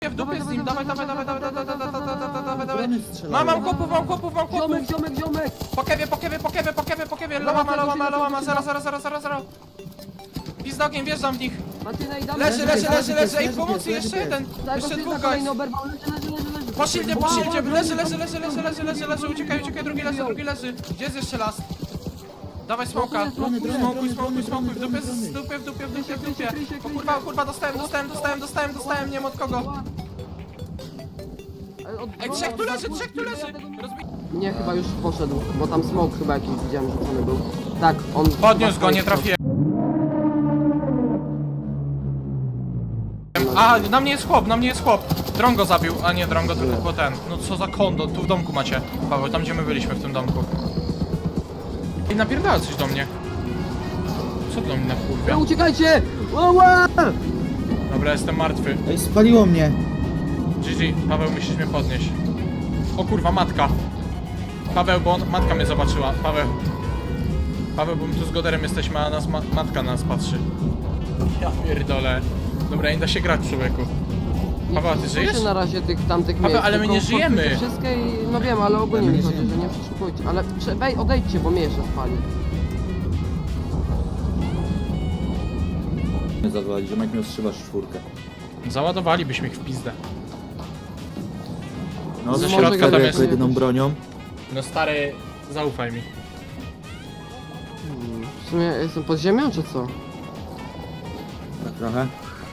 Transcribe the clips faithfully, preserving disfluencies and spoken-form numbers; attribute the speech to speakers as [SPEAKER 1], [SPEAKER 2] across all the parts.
[SPEAKER 1] W dupie z nim, dawaj, dawaj, dawaj, dawaj, dawaj, dawaj, dawaj, dawaj, dawaj. Mam, mam kopów, mam kopów, mam kopów.
[SPEAKER 2] Ziomek, ziomek, ziomek!
[SPEAKER 1] Po kewie, po kewie, po kewie, po kewie, po kewie. Lołama, lołama, lołama, zero, zero, zero, zero, zero. Pizdogiem, wjeżdżam w nich.
[SPEAKER 2] Martyna i damy.
[SPEAKER 1] Leży, leży, leży, leży. Ej, pomocy, jeszcze jeden.
[SPEAKER 2] Tak,
[SPEAKER 1] Jeszcze
[SPEAKER 2] go
[SPEAKER 1] dwóch
[SPEAKER 2] kolejny
[SPEAKER 1] guys.
[SPEAKER 2] oberwał, leży, leży, leży, leży.
[SPEAKER 1] Po shieldzie, po
[SPEAKER 2] Wow,
[SPEAKER 1] shieldzie.
[SPEAKER 2] wow,
[SPEAKER 1] Leży,
[SPEAKER 2] leży,
[SPEAKER 1] leży, leży, leży, leży, leży, leży. Uciekaj, uciekaj, drugi leży, drugi leży. Gdzie jest jeszcze las? Dawaj smoka. Smokuj, smokuj, smokuj. W dupie, w dupie, w dupie, w dupie, w dupie. O kurwa, kurwa, dostałem, dostałem, dostałem, dostałem, dostałem, nie wiem od kogo. Ej, trzech tu leży, trzech tu leży. Rozbij...
[SPEAKER 2] Nie, chyba już poszedł, bo tam smoke chyba jakiś widziałem, rzucony był. Tak, on...
[SPEAKER 1] Podniósł go, nie trafiłem. A, na mnie jest chłop, na mnie jest chłop. Dron go zabił, a nie dron go, tylko ten. No co za kondo, tu w domku macie. Paweł, tam gdzie my byliśmy w tym domku. I napierdala coś do mnie. Co do mnie na
[SPEAKER 2] No,
[SPEAKER 1] kurwia?
[SPEAKER 2] uciekajcie! Ła!
[SPEAKER 1] Dobra, jestem martwy.
[SPEAKER 3] Ej, spaliło mnie.
[SPEAKER 1] G G, Paweł, musisz mnie podnieść. O kurwa, matka. Paweł, bo on, matka mnie zobaczyła. Paweł. Paweł, bo my tu z Goderem jesteśmy, a nas ma, matka na nas patrzy. Ja pierdolę. Dobra, nie da się grać, człowieku. Paweł, a ty żyjesz?
[SPEAKER 2] Nie na razie tych tamtych
[SPEAKER 1] Paweł,
[SPEAKER 2] miejsc,
[SPEAKER 1] ale my
[SPEAKER 2] tylko
[SPEAKER 1] nie żyjemy.
[SPEAKER 2] podpójcie wszystkie i... No wiem, ale ogólnie
[SPEAKER 3] Ale my
[SPEAKER 2] mi
[SPEAKER 3] nie
[SPEAKER 2] chodzi, że
[SPEAKER 3] żyjemy.
[SPEAKER 2] nie przeszukujcie. Ale prze... Wej, odejdźcie, bo mnie jeszcze spali.
[SPEAKER 3] Nie zawali, ziomek miał strzywasz czwórkę.
[SPEAKER 1] Załadowalibyśmy ich w pizdę.
[SPEAKER 3] No,
[SPEAKER 1] Ze
[SPEAKER 3] z
[SPEAKER 1] środka
[SPEAKER 3] środka
[SPEAKER 1] tam
[SPEAKER 3] jako
[SPEAKER 1] jest-
[SPEAKER 3] jedyną bronią.
[SPEAKER 1] No stary, zaufaj mi.
[SPEAKER 2] Hmm, w sumie jestem pod ziemią, czy co?
[SPEAKER 3] Tak trochę.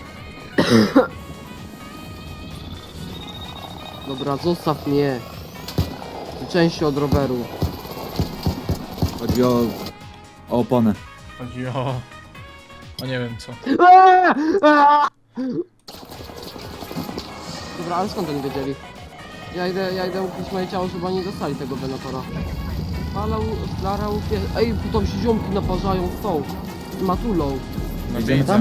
[SPEAKER 2] Dobra, zostaw mnie. Ty części od roweru.
[SPEAKER 3] Chodzi o... o oponę.
[SPEAKER 1] Chodzi o... O nie wiem co.
[SPEAKER 2] Eee! Eee! Dobra, ale skąd oni wiedzieli? Ja idę, ja idę ukryć moje ciało, żeby oni dostali tego Venatora. Falał, Lara, upie... Ej, tam się ziomki naparzają w tą. Matulą.
[SPEAKER 1] No
[SPEAKER 3] Idziemy
[SPEAKER 1] widzę.
[SPEAKER 3] tam?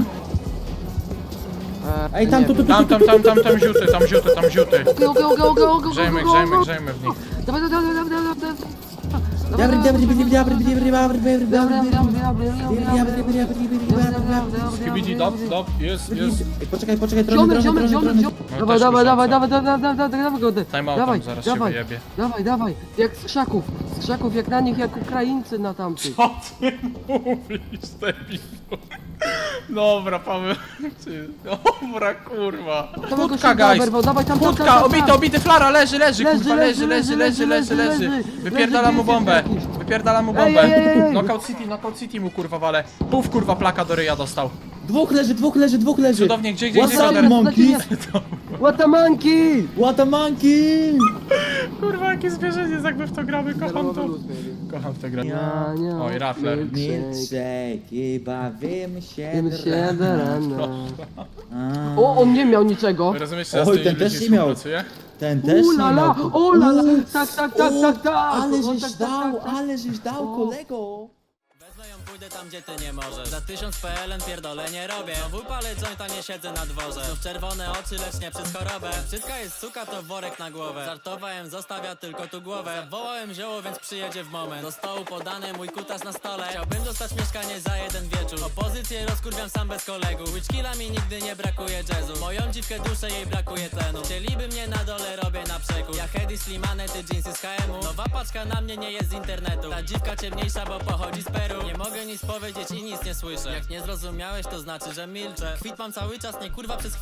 [SPEAKER 2] Eee,
[SPEAKER 3] Ej, tam,
[SPEAKER 2] nie
[SPEAKER 3] tu, tu,
[SPEAKER 2] wiem.
[SPEAKER 1] Tam, tam, tam, tam, tam ziuty, tam ziuty, tam ziuty.
[SPEAKER 2] Okej, okej, okej, okej, okej,
[SPEAKER 1] Grzejmy,
[SPEAKER 2] okej,
[SPEAKER 1] grzejmy,
[SPEAKER 2] okej.
[SPEAKER 1] grzejmy w nich.
[SPEAKER 2] Dawaj, dawaj, dawaj, dawaj, dawaj, dawaj.
[SPEAKER 3] Dobry, dobry, dobry, dobry, dobry, dobry, dobry,
[SPEAKER 1] Skibidi, dop, dop, jest, jest.
[SPEAKER 3] Ej, poczekaj, poczekaj, trochę,
[SPEAKER 2] Ziomek,
[SPEAKER 3] trochę,
[SPEAKER 2] ziomek,
[SPEAKER 3] trochę,
[SPEAKER 2] ziomek,
[SPEAKER 3] trochę.
[SPEAKER 2] ziomek.
[SPEAKER 1] No,
[SPEAKER 2] Dawaj,
[SPEAKER 1] też
[SPEAKER 2] dawaj,
[SPEAKER 1] mi
[SPEAKER 2] dawaj,
[SPEAKER 1] szansa.
[SPEAKER 2] dawaj, dawaj, dawaj, dawaj, dawaj, go.
[SPEAKER 1] Time out,
[SPEAKER 2] Dawaj,
[SPEAKER 1] tam zaraz się
[SPEAKER 2] dawaj,
[SPEAKER 1] wyjebie.
[SPEAKER 2] dawaj, dawaj. Jak z krzaków, z krzaków, jak na nich, jak Ukraińcy na tamtych.
[SPEAKER 1] Co ty mówisz, debilu? Dobra, Paweł. Ty- Dobra, kurwa.
[SPEAKER 2] Dawaj go
[SPEAKER 1] Wódka,
[SPEAKER 2] szybko,
[SPEAKER 1] guys.
[SPEAKER 2] oberwał, dawaj tam, tam, tam,
[SPEAKER 1] Wódka,
[SPEAKER 2] tam,
[SPEAKER 1] obity,
[SPEAKER 2] tam.
[SPEAKER 1] obity, flara, leży, leży,
[SPEAKER 2] Leży,
[SPEAKER 1] kurwa, leży, leży, leży, leży,
[SPEAKER 2] leży,
[SPEAKER 1] leży.
[SPEAKER 2] leży.
[SPEAKER 1] Wypierdala mu
[SPEAKER 2] Leży,
[SPEAKER 1] bombę.
[SPEAKER 2] jakiś.
[SPEAKER 1] Wypierdala mu
[SPEAKER 2] Ej,
[SPEAKER 1] bombę.
[SPEAKER 2] ej, ej, ej.
[SPEAKER 1] Knockout City, Knockout City mu kurwa wale. Puf, kurwa, plaka do ryja dostał.
[SPEAKER 3] Dwóch leży, dwóch leży, dwóch leży.
[SPEAKER 1] Cudownie, gdzie, gdzie, gdzie,
[SPEAKER 3] What's up,
[SPEAKER 1] Goder?
[SPEAKER 3] monkeys?
[SPEAKER 2] What a monkey!
[SPEAKER 3] What a monkey!
[SPEAKER 1] Kurwa, jakie zwierzę jest, jakby w to gramy, kocham to. Kocham w to grę.
[SPEAKER 2] Ja nie.
[SPEAKER 1] Oj, Raffler.
[SPEAKER 3] Milkshake i bawimy się
[SPEAKER 2] Wiem
[SPEAKER 3] do
[SPEAKER 2] się do
[SPEAKER 3] rana.
[SPEAKER 2] rana.
[SPEAKER 3] A,
[SPEAKER 2] O, on nie miał niczego.
[SPEAKER 1] Rozumiesz, że ja z
[SPEAKER 3] Oj,
[SPEAKER 1] tymi
[SPEAKER 3] ten też
[SPEAKER 1] ludźmi
[SPEAKER 3] nie miał.
[SPEAKER 1] współpracuję?
[SPEAKER 3] Ten też
[SPEAKER 2] U
[SPEAKER 3] nie
[SPEAKER 2] la la,
[SPEAKER 3] miał.
[SPEAKER 2] o la la.
[SPEAKER 3] U,
[SPEAKER 2] Tak, tak, tak,
[SPEAKER 3] o,
[SPEAKER 2] tak, tak.
[SPEAKER 3] Ale
[SPEAKER 2] O,
[SPEAKER 3] żeś
[SPEAKER 2] tak, tak,
[SPEAKER 3] dał,
[SPEAKER 2] tak, tak.
[SPEAKER 3] ale żeś dał,
[SPEAKER 2] O.
[SPEAKER 3] kolego.
[SPEAKER 4] Wezmę ją, pójdę tam, gdzie ty nie możesz. Za tysiąc P L N pierdolę nie robię. Znowu palę jointa, nie siedzę na dworze. Znów czerwone oczy, lecz nie przez chorobę. Wszystka jest suka, to worek na głowę. Żartowałem, zostawia tylko tu głowę. Zawołałem zioło, więc przyjedzie w moment. Do stołu podany mój kutas na stole. Chciałbym dostać mieszkanie za jeden wieczór. Opozycję rozkurwiam sam bez kolegów. Witchkilla mi nigdy nie brakuje jazzu. Moją dziwkę duszę, jej brakuje tlenu. Chcieliby mnie na dole, robię na przekór. Ja Hedy, Slimane, ty jeansy z H M u. Nowa paczka na mnie nie jest z internetu. Ta dziwka ciemniejsza, bo pochodzi z Peru. Nie mogę nic powiedzieć i nic nie słyszę. Jak nie zrozumiałeś, to znaczy, że milczę. Kwit mam cały czas, nie kurwa przez